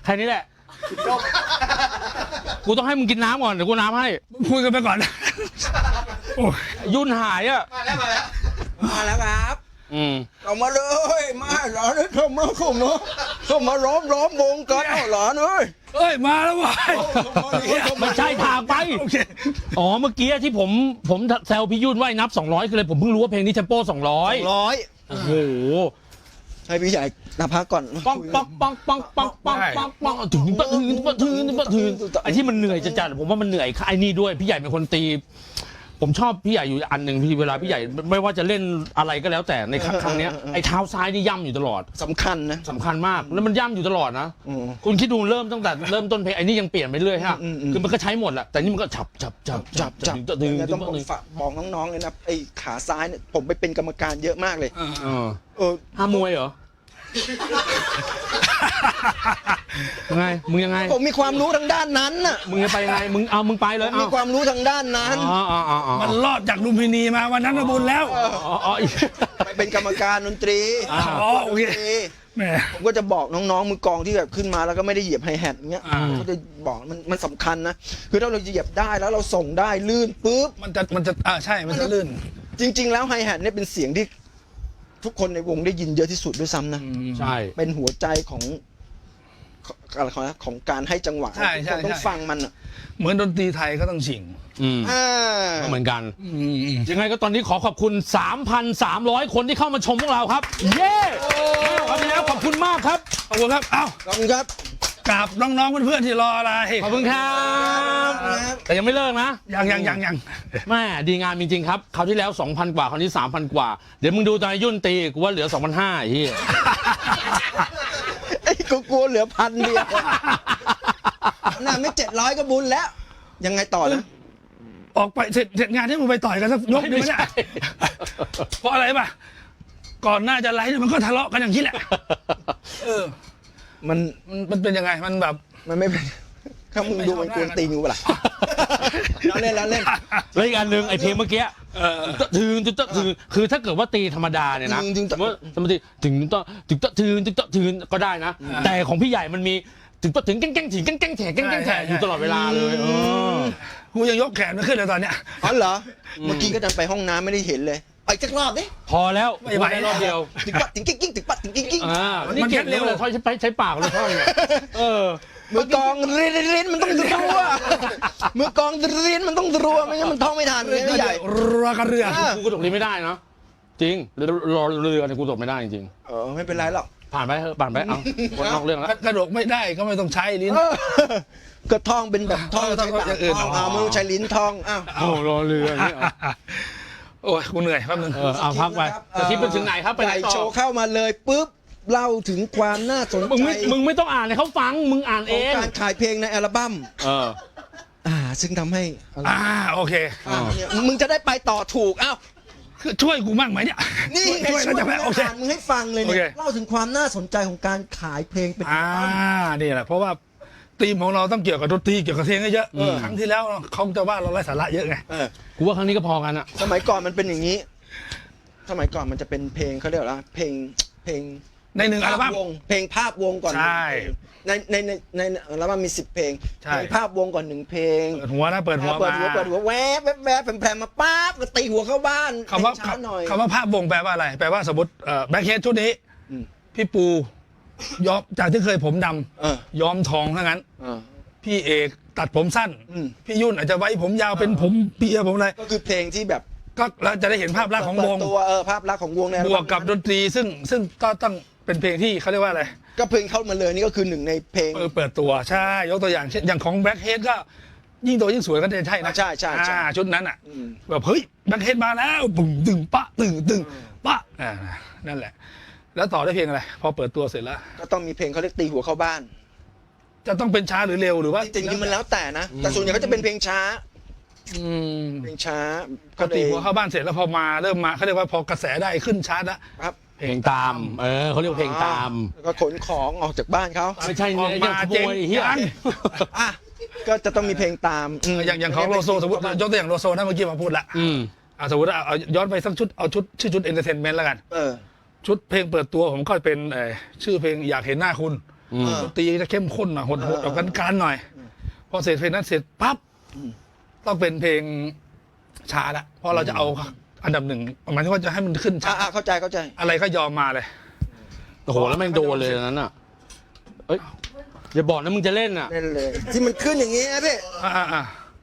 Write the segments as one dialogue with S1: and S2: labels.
S1: แค่นี้แหละกูต้องให้มึงกินน้ำก่อนเดี๋ยวกูน้ำให้
S2: คุยกันไปก่อนโอ้ย
S1: ยุ่นหายอ่ะ
S3: มาแล้วครับ
S4: เอามาเลยมาหลานเข้ามาล้อมวงกันเอาหลานเอ้ย
S2: เอ้ยมาแล้ววะ
S1: ไม่ใช่ทางไป
S2: โอเค
S1: อ๋อเมื่อกี้ที่ผมแซวพี่ยุ่นว่านับ200คือเลยผมเพิ่งรู้ว่าเพลงนี้เทมโป200
S4: 100
S1: โอ้โห
S4: ให้พี่ใหญ่นับพักก่อน
S1: ปังปังปังปังปังปังปังปังถึงไอ้ที่มันเหนื่อยจัดผมว่ามันเหนื่อยไอ้นี่ด้วยพี่ใหญ่เป็นคนตีผมชอบพี่ใหญ่อยู่อันหนึ่งพี่เวลาพี่ใหญ่ไม่ว่าจะเล่นอะไรก็แล้วแต่ในครั้งนี้ไอ้เท้าซ้ายนี่ย่ำอยู่ตลอด
S4: สำคัญนะ
S1: สำคัญมากแล้วมันย่ำอยู่ตลอดนะคุณคิดดูเริ่มตั้งแต่เริ่มต้นเพลงไอ้นี่ยังเปลี่ยนไปเรื่อยฮะคือมันก็ใช้หมดแหละแต่นี่มันก็จับดึง
S4: ต้องบอกน้องๆเลยนะไอ้ขาซ้ายเนี่ยผมไปเป็นกรรมการเยอะมากเลย
S1: ห้ามวยเหรอยังไงมึงยังไง
S4: ผมมีความรู้ทางด้านนั้นน่ะ
S1: มึงจะไปยังไงมึงไปเลย
S4: มีความรู้ทางด้านนั้น
S2: มันรอดจากลุมพินีมาวันนั้นก็บุญแล้ว
S4: ไปเป็นกรรมการดนตรี
S2: อ๋อโอเคแหม
S4: ผมก็จะบอกน้องๆมือกลองที่แบบขึ้นมาแล้วก็ไม่ได้เหยียบไฮแฮทเงี้ยก็จะบอกมันสำคัญนะคือถ้าเราเหยียบได้แล้วเราส่งได้ลื่นปุ๊บ
S2: มันจะใช่มันจะลื่น
S4: จริงๆแล้วไฮแฮทเนี่ยเป็นเสียงที่ทุกคนในวงได้ยินเยอะที่สุดด้วยซ้ำนะ
S1: ใช่
S4: เป็นหัวใจของการให้จังหวะ
S2: ใช่
S4: ทุกคนต้องฟังมันอ่ะ
S2: เหมือนดนตรีไทยก็ต้องฉิง
S1: ก็เหมือนกันยังไงก็ตอนนี้ขอขอบคุณ 3,300 คนที่เข้ามาชมพวกเราครับเย้ครับพี่แล้วขอบคุณมากครับ
S2: ขอบคุณครับเอ้า
S4: ขอบคุณครับ
S2: กราบน้องๆเพื่อนๆที่รออะไร
S1: ขอบคุณครับแต่ยังไม่เลิกนะ
S2: ยัง
S1: แม่ดีงามจริงๆครับคราวที่แล้ว 2,000 กว่าคราวนี้ 3,000 กว่าเดี๋ยวมึงดูตอนยุ่นตีกูว่าเหลือ 2,500ไอ้เหี้ย
S4: ไอ้กูกลัวเหลือ1,000เดียวน่าไม่700ก็บุญแล้ว ยังไงต่อนะ
S2: ออกไปเสร็จงานที่มึงไปต่อยกันสักยกหนึ่งเนี่ยเพราะอะไรป่ะก่อนหน้าจะไลฟ์มันก็ทะเลาะกันอย่างนี้แหละมันเป็นยังไงมันแบบ
S4: มันไม่เป็นถ้ามึงดูมันกวนตีนกูเปล่าเราเล่นแล้ว
S1: อีกอันหนึ่งไอ้เพลงเมื่อกี้ถึงคือถ้าเกิดว่าตีธรรมดาเนี่ยนะสมมติถึงก็ได้นะแต่ของพี่ใหญ่มันมีถึงแก้งแฉอยู่ตลอดเวลาเลย
S2: กูยังยกแขนไม่ขึ้นเลยตอนเนี้ย
S4: อ๋อเหรอเมื่อกี้ก็ดันไปห้องน้ำไม่ได้เห็นเลยไปสักรอบดิ
S1: พอแล้วไม่ไหวรอบเดียว
S4: ถึงปัดถึงกิ้ง
S1: นี่เก็บเร็วเลยใช้ปากเลยท่อน
S4: มือกองรินมันต้องรัวมือกองรินมันต้องรัวไม่งั้นมันท่องไม่ทันเลยใหญ่
S2: รัวกันเรือ
S1: กูกระโดดลิ้นไม่ได้นะจริงรอเรือเนี่ยกูกระโดดไม่ได้จริง
S4: ไม่เป็นไรหรอก
S1: ผ่านไปเอาวนนอกเรื่องแล้ว
S2: กระโดดไม่ได้ก็ไม่ต้องใช้ลิ้น
S4: ก็ท่องเป็นแบบท่องใช้ปากท่องไม่ต้องใช้ลิ้นท่อง
S1: รอเรือเนี่ย
S2: โอ้ยกูเหนื่อยแป๊บนึง
S1: เอาพักไปจะคิดไปถึงไหนครับไปไหนต่อ
S4: โชว์เข้ามาเลยปุ๊บเล่าถึงความน่าสนใจ
S1: มึงไม่ต้องอ่านให้เขาฟังมึงอ่านเอง
S4: การขายเพลงในอัลบั้มซึ่งทำให้
S2: โอเค
S4: มึงจะได้ไปต่อถูก
S2: คือช่วยกูมั่งไหมเนี่ย
S4: นี่ช่วยจะโอเคมึงให้ฟังเลยเนี่ยเล่าถึงความน่าสนใจของการขายเพลงเป็น
S2: นี่แหละเพราะว่าธีมของเราต้องเกี่ยวกับดนตรีเกี่ยวกับเพลงเยอะครั้งที่แล้วเขาจะว่าเราไร้สาระเยอะไง
S1: กูว่าครั้งนี้ก็พอกันอะ
S4: สมัยก่อนมันเป็นอย่างนี้สมัยก่อนมันจะเป็นเพลงเขาเรียกว่าเพลง
S2: ในหนึ่งอัลบั้ม
S4: เพลงภาพวงก่อน
S2: ใช่
S4: ในอัลบั้มมี10 เพลงเพลงภาพวงก่อน1 เพลง
S2: เปิดหัวนะเปิดหัว
S4: แวบแผลมาปั๊บก็ตีหัวเข้าบ้าน
S2: คำว่าภาพวงแปลว่าอะไรแปลว่าสมมติแบ็คเฮดชุดนี้พี่ปูย้อมจากที่เคยผมดำย้อมทองเท่านั้นพี่เอกตัดผมสั้นพี่ยุ่นอาจจะไว้ผมยาวเป็นผมเปียผมอะไร
S4: ก็คือเพลงที่แบบ
S2: ก็เราจะได้เห็นภาพลักษณ์ของวง
S4: ตัวภาพลักษณ์ของวงเนี่ย
S2: บวกกับดนตรีซึ่งก็ต้องเป็นเพลงที่เขาเรียกว่าอะไร
S4: ก็เพลงเข้ามาเลยนี่ก็คือหนึ่งในเพลง
S2: เปิดตัวใช่ยกตัวอย่างเช่นอย่างของแบ็คเฮดก็ยิ่งโตยิ่งสวยก็จะใช่นะ
S4: ใช่
S2: ชุดนั้นอ่ะแบบเฮ้ยแบ็คเฮดมาแล้วตึงปะตึงปะนั่นแหละแล้วต่อได้เพลงอะไรพอเปิดตัวเสร็จแล้ว
S4: ก็ต้องมีเพลงเขาเรียกตีหัวเข้าบ้าน
S2: จะต้องเป็นช้าหรือเร็วหรือว่า
S4: จริงๆมันแล้วแต่นะแต่ส่วนใหญ่ก็จะเป็นเพลงช้าเพลงช้า
S2: ก็ตีหัวเข้าบ้านเสร็จแล้วพอมาเริ่มมาเขาเรียกว่าพอกระแสได้ขึ้นชาร์ตแล้ว
S4: ครับ
S1: เพลงตามเขาเรียกเพลงตาม
S4: แล้วก็ขนของออกจากบ้านเขา
S1: ไม่ใช่
S2: ออกมาเจ๊ง
S4: ก็จะต้องมีเพลงตาม
S2: อย่างของโลโซสมมติยกตัวอย่างโลโซนะเมื่อกี้มาพูดละสมมติเอาย้อนไปสักชุดเอาชุดชื่อชุดเอนเตอร์เทนเมนต์แล้วกันชุดเพลงเปิดตัวผมก็เป็นชื่อเพลงอยากเห็นหน้าคุณ
S1: อืม
S2: ดนตรีจะเข้มข้นหน่อยโหดๆออกกันๆหน่อย พอเสร็จเพลงนั้นเสร็จปั๊บต้องเป็นเพลงช้าละเพราะเราจะเอาอันดับหนึ่งหมายถึงว่าจะให้มันขึ้นช้า
S4: เข้าใจเข้าใจ
S2: อะไรก็ยอมมาเลย
S1: โอ้โหแล้วแม่งโดนเลยอันนั้นอ่ะเอ้ยอย่าบอกนะมึงจะเล่นอ่ะ
S4: เล่นเลย ที่มันขึ้นอย่างนี้นะพี่
S2: อ่า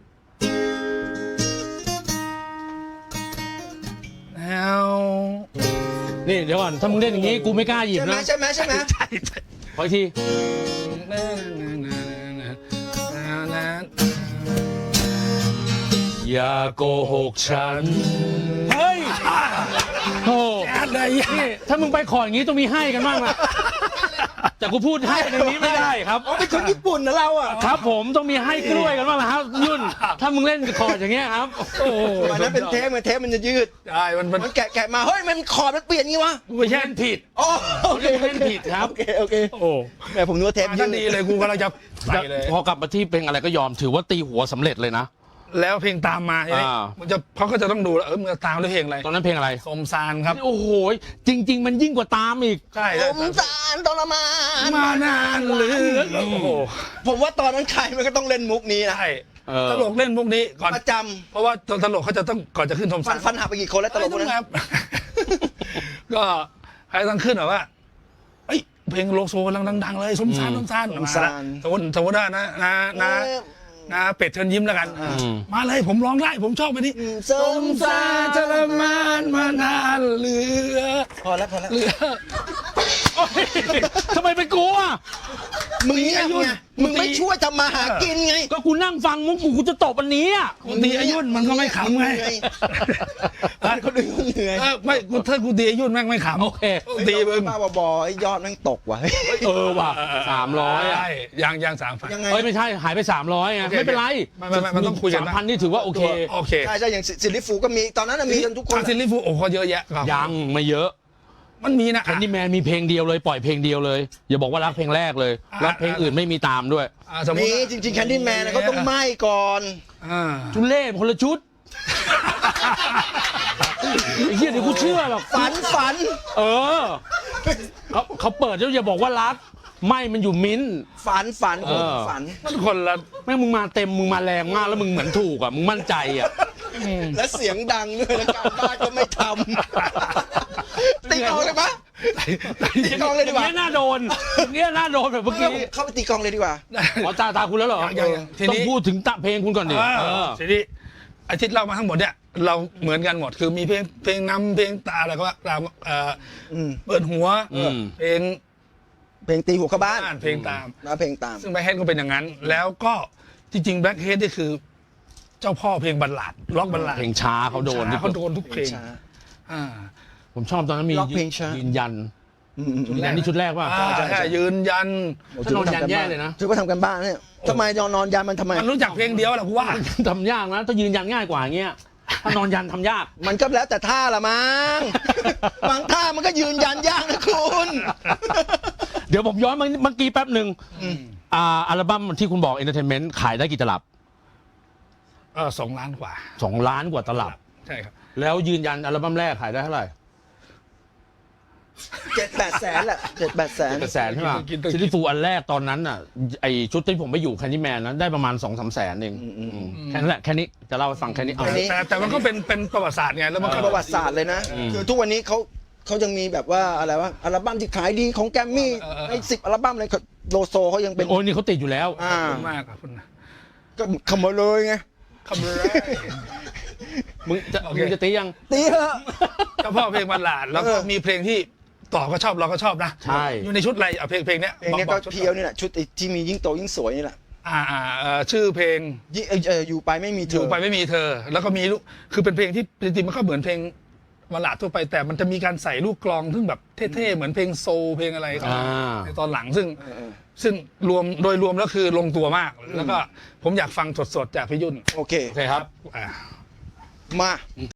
S2: แล้ว
S1: นี่เดี๋ยวก่อนถ้ามึงเล่นอย่างงี้กูไม่กล้าหยิบ
S4: ใช่ไหม
S1: นะ
S4: ใช่ไหมใช่ไหม
S2: ใช่
S1: ขออีกทีอย่าโกหกฉันเฮ้ยโอ้
S2: อะไร
S1: นี่ถ้ามึงไปขออย่างงี้ต้องมีให้กันบ้างนะแต่กูพูดให้ในนี้ไม่ได้ครับ
S4: เป็นคนญี่ปุ่นนะเราอ่ะ
S1: ครับผมต้องมีให้กล้วยกันบ้างนะครับยุ่น ถ้ามึงเล่นคอร์ดอย่างเงี้ยครับ โอ้โห
S4: วันนั้นเป็นเทปมันเทปมันจะยืด
S2: ใช่มัน
S4: มันแกะมาเฮ้ยมันคอร์ดมันเปลี่ยนงี้วะ
S1: ไม่ใช่เล่นผิด
S4: อ๋อโอเค
S1: เล่นผิดครับ
S4: โอเคโอเค
S1: โอ้
S4: แหมผมนึกว่าเทปยื
S2: ท่า
S4: ด
S2: นดีเลยกูกำลังจะใส่เลย
S1: พอกลับมาที่เพลงอะไรก็ยอมถือว่าตีหัวสำเร็จเลยนะ
S2: แล้วเพลงตามมาใช่ไหม
S1: อ่า
S2: มันจะเขาก็จะต้องดูแล้วมึงจะตามด้วยเพลงอะไร
S1: ตอนนั้นเพลงอะไร
S2: สมซานครับ
S1: โอ้โหจริง ๆ มันยิ่งกว่าตามอีก
S2: ใช่
S4: สมสารทรมาน
S2: มานานเหลือโอ้โห
S4: ผมว่าตอนนั้นใครมันก็ต้องเล่นมุกนี้นะ
S2: ใช่
S1: เออ
S2: ตลกเล่นพวกนี้ก่อน
S4: ประจ
S2: เพราะว่าตลกเขาจะต้องก่อนจะขึ้นสม
S4: ำ
S2: ซาน
S4: ฟันหักไปกี่คนแล้วตลกพวกนั้น
S2: ครับ ก็ใครต้องขึ้นแบบว่าเอ้ยเพลงโลโซกำลังดังๆเลยสมซานสมซานมาละสมมติว่านะเป็ดเชิญยิ้มแล้วกัน มาเลยผมร้องได้ผมชอบไปนี่
S4: ส
S2: ส
S4: ม
S2: ม
S4: สา
S2: ซาร ทรมานมานานเหลือ
S4: พอแล้วพอแล้ว
S2: เหลือ
S1: โอ๊ยทำไมเป็นกูอ่ะ
S4: มึงเงียบไงมึงไม่ช่วยทำมาหากินไง
S1: ก็กูนั่งฟังมุกกูจะตบอันนี้อ่ะ
S2: กูตีอายุนมันก็ไม่ขำไง
S4: เขาดูเหนื่อย
S2: ไม่กูถ้ากูตีอายุนแม่งไม่ขำ
S1: โอเค
S2: ตีมึง
S4: บ้าบอไอ้ยอดแม่งตกว่ะ
S1: เออว่ะ300อ่ะ
S2: ใช่ยัง3,000
S4: ยังไง
S1: เฮ้ยไม่ใช่หายไป300ไง
S2: โอเค
S1: ไม่เป็นไร
S2: ไม่มันต้องคุยกันนะ
S1: 3,000นี่ถือว่าโอเค
S2: โอเค
S4: ใช่ใช่อย่างซิลลิฟูก็มีตอนนั้นนะมีกันทุกคน
S2: ซิลลี่ฟูโอ้เขาเยอะแยะครับ
S1: ยังไม่เยอะ
S2: มันมีนะ
S1: แคนดี้แมนมีเพลงเดียวเลยปล่อยเพลงเดียวเลย อย่าบอกว่ารักเพลงแรกเลยรักเพลงอื่นไม่มีตามด้วย
S2: สมมติ
S4: มีจริงๆแคนดี้แมนเขาต้องไหม้ก่อน
S1: ชุดเล่คนละชุดไอ้เหี้ยเดี๋ยวกูเชื่อหรอก
S4: ฝัน
S1: เออเขาเปิดแล้วอย่าบอกว่ารักไม่มันอยู่มิ้นท์
S4: ฝัน
S1: เออ
S4: ฝัน
S2: มันคนละ
S1: แม่งมึงมาเต็มมึงมาแรงมากแล้วมึงเหมือนถูกอ่ะมึงมั่นใจอ่ะ
S4: และเสียงดังด้วยแล้วการบ้านก็ไม่ทำตีกลองเลยปะตีกลองเลยดีกว่า
S1: เนี้ยน่าโดนเนี้ยน่าโดนแบบเมื่อกี้
S4: เข้าไปตีกลองเลยดีกว่า
S1: อ๋อตาคุณแล้วเหรอ
S2: ยังที
S1: ต้อง
S2: นี้
S1: พูดถึงเพลงคุณก่อนดิเออ
S2: ทีนี้อาทิตย์เล่ามาทั้งหมดเนี่ยเราเหมือนกันหมดคือมีเพลงนำเพลงตาอะไรก็ว่าตามเปิดหัวเพลง
S4: เพลงตีหัวเข้าบ้าน
S2: เพลงตาม
S4: แล้วเพลงตาม
S2: ซึ่งแบล็คเฮดก็เป็นอย่างนั้น แล้วก็จริงๆแบล็คเฮดนี่คือ เจ้าพ่อเพลงบัลลาดล็อกบัลลาด
S1: เพลงช้าเขาโดน
S2: เขาโดนทุกเพลง
S4: ช้า
S2: อ่า
S1: ผมชอบตอนนั้นมี
S4: ล็อกเพลงช้ายื
S1: ยืนยันยืนยันนี่ชุดแรกป่ะ
S2: ใช่ยืนยัน
S1: ถ้านอนยันแย่เลยนะ
S4: ถือว่าทำกันบ้านเนี่ยทำไมนอนยันมันทำไม
S2: มันรู้จักเพลงเดียวแหละกูว่า
S1: ทำยากนะถ้ายืนยันง่ายกว่าอย่างเงี้ยถ้านอนยันทำยาก
S4: มันก็แล้วแต่ท่าละมั้ง บางท่ามันก็ยืนยันยากนะคุณ
S1: เดี๋ยวผมย้อนเมื่อกี้แป๊บหนึ่งอัลบั้มที่คุณบอก Entertainment ขายได้กี่ตลับ
S2: 2 ล้านกว่า
S1: 2 ล้านกว่าตลับ
S2: ใช่ครับ
S1: แล้วยืนยันอัลบั้มแรกขายได้เท่าไหร่
S4: 7-8 แสนแหละ7-8 แสน
S1: แสนใช่ไหมซิลิฟูอันแรกตอนนั้นอ่ะไอชุดที่ผมไปอยู่แคนดี้แมนนั้นได้ประมาณ 2-3 แสนเองแค่นั้นแหละแค่นี้จะเล่าให้ฟังแค่นี้เอา
S4: แค่นี้
S2: แต่มันก็เป็นประวัติศาสตร์ไงแล้วมันก็
S4: ประวัติศาสตร์เลยนะ คือทุกวันนี้เขายังมีแบบว่าอะไรวะอัลบั้มที่ขายดีของแกรมมี่ใน10 อัลบั้มเลยโลโซเขายังเป็น
S1: โอ้ยนี่เขาติดอยู่แล้ว
S4: อ่า
S2: ขอบคุณมากครับคุณนะ
S4: ก็ขโมยเลยไง
S2: คำเลย
S1: มึงจะตียัง
S4: ตีเถอะ
S2: เจ้าพ่อเพลงบัลลาดแล้วก็มีเพลงที่ต่อก็ชอบเราก็ชอบนะ
S1: ใช่
S2: อยู่ในชุดอะไรเพลงเนี้ย
S4: เพลงนี้ก็เพียวนี่แหละชุดที่มียิ่งโตยิ่งสวยนี่แหละ
S2: ชื่อเพลง
S4: อยู่ไปไม่มีเธ
S2: อยู่
S4: อ
S2: ไปไม่มีเธอ แล้วก็มีลูกคือเป็นเพลงที่จริงๆมันก็เหมือนเพลงบัลลาดทั่วไปแต่มันจะมีการใส่ลูกกลองซึ่งแบบเท่ๆเหมือนเพลงโซลเพลงอะไรครับในตอนหลังซึ่งรวมโดยรวมแล้วคือลงตัวมาก แล้วก็ผมอยากฟังสดๆจากพี่ยุ่น
S4: โอเค
S1: โอเคครับ
S4: มา